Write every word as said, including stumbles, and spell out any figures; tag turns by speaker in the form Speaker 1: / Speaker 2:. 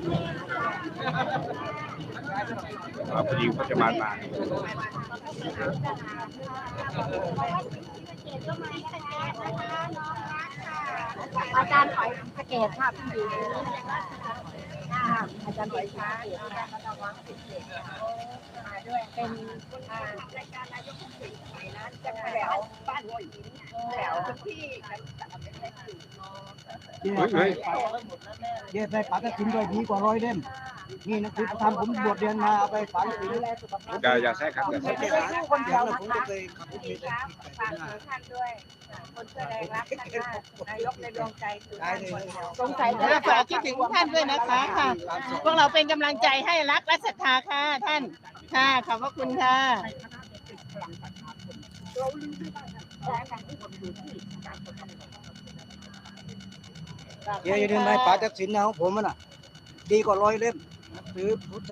Speaker 1: พอดีเขาจะมามา
Speaker 2: อาจารย์ถอยสเกตค่ะพี่อยู่อาจารย์ถอยช้าเดี๋ยวอาจารย์ระวังสิเกตมาด้วยเป็นรายการนายกผู้สินะจะแถวบ้านหัวหินแถวที่
Speaker 1: เฮ้ย
Speaker 3: เย็บไปปากกระถิ่นด้วยดีกว่าร้อยเล่มนี่นักศึกษาผมบวชเรียนมาเอาไปฝังศีล
Speaker 1: อย่าอย่าแทรกครับอย่าแทรก
Speaker 2: ไม่ได้สู้คนเดียวนะคะ
Speaker 3: เคยขับรถเมล์
Speaker 2: ฝากท่านด้วยคนเสื้อแดงรักท่านมากนายกในดวงใจคือท่านคนเดียวสงสัย
Speaker 4: ฝากคิดถึงท่านด้วยนะคะค่ะพวกเราเป็นกำลังใจให้รักและศรัทธาค่ะท่านค่ะขอบพระคุณค่ะ
Speaker 3: เดี๋ยวอย่าลืมไปปากกระถิ่นนะของผมน่ะดีกว่าร้อยเล่มซื้อพุทธ